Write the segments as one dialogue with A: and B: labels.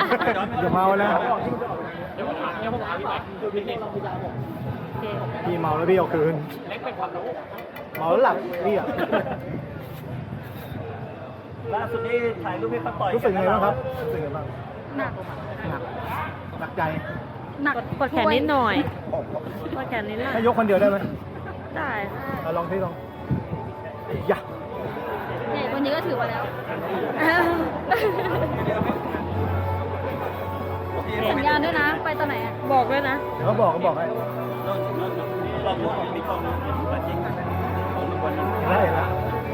A: อย่าเมานะ
B: เดี๋ยวผมถามพี่ไปดูพี่เอง
A: พี่เมาแล้วพี่เอาคืน
B: เล็กเป็นความรู้
A: เมาแล้วหลับพี่อ่ะ
C: ล่าสุดนี่ถ่ายรูปให้เขาต่อย
A: รู้สึกไงบ้างครับรู้สึกไงบ้าง
D: หนัก
A: หนักใจ
D: หนัก
E: กดแขนนิดหน่อยกดแขนนิดหน่อย
A: ให้ยกคนเดียวได้ไหม
E: ได้
A: ลองที่ลองอย่า
D: ใหญ่กว่านี้ก็ถือว่าแล้ว สัญญาณด้วยนะ ไปตอนไหนอะ
E: บอกด้วยนะ
A: เดี๋ยวเขาบอกให้
C: ลองดูของมีกล้องนะจริงของทุกวันนี้
A: ได้แล้ว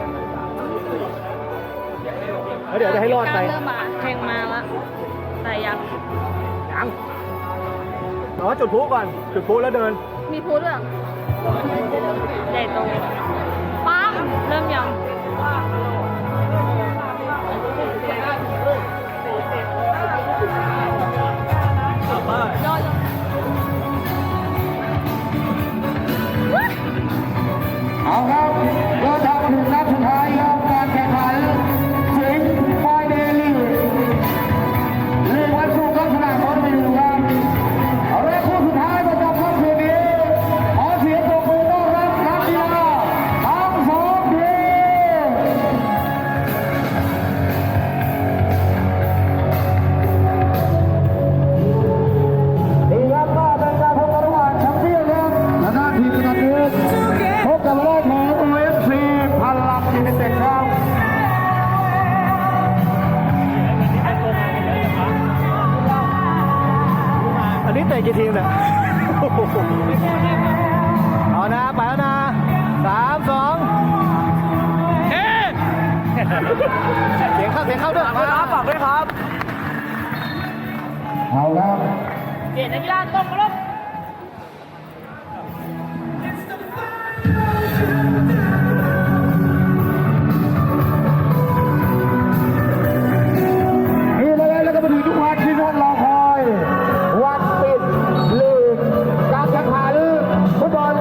A: เดี๋ยวจะให้รอดไป
D: เริ่มมา
E: เพลงมาละแต่ยัง
A: ยังแต่ว่าจุดพลุก่อน จุดพลุแล้วเดิน
D: มีพูดด้วยเหรอ
E: ใหญ่โต
D: ปัง
E: เริ่มยัง
D: ย่อย
F: เอาครับเราทำถึงนัดสุดท้ายครับการแข่งขันสิงห์ไฟเดลี่ลีกวันศุกร์ครับสนามบอลไม่อยู่ครับเอาละคู่สุดท้ายประจำค่ำคืนนี้ขอเสียงปรบมือต้อนรับนักกีฬาทั้งสองทีมดีครับก็เป็นการพบกันระหว่างแชมเปี้ยนครับและด้านทีมกระตือพบกับรอบของ OFC พลังยูไนเต็ดครับ
A: อันนี้เตะกี่ทีมเนี่ยเอานะ ไปแล้วนะ3 2เอ๊ะเสียงเข้าด้วยมาฝากด้วยครับ
F: เอาแล้ว
E: เปลี่ยนนักกีฬาตรงมาลบ
F: นี่มาแล้วก็มาถึงทุกวันที่ท่านรอคอย วันปิดลีกการแข่งขันฟุตบอล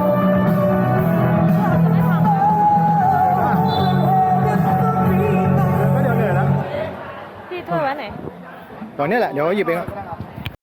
A: ก็เดี๋ยวเหนื่อยแล้ว
E: พี่ถ้วยไว้ไหน
A: ตอนนี้แหละ เดี๋ยวหยิบเอง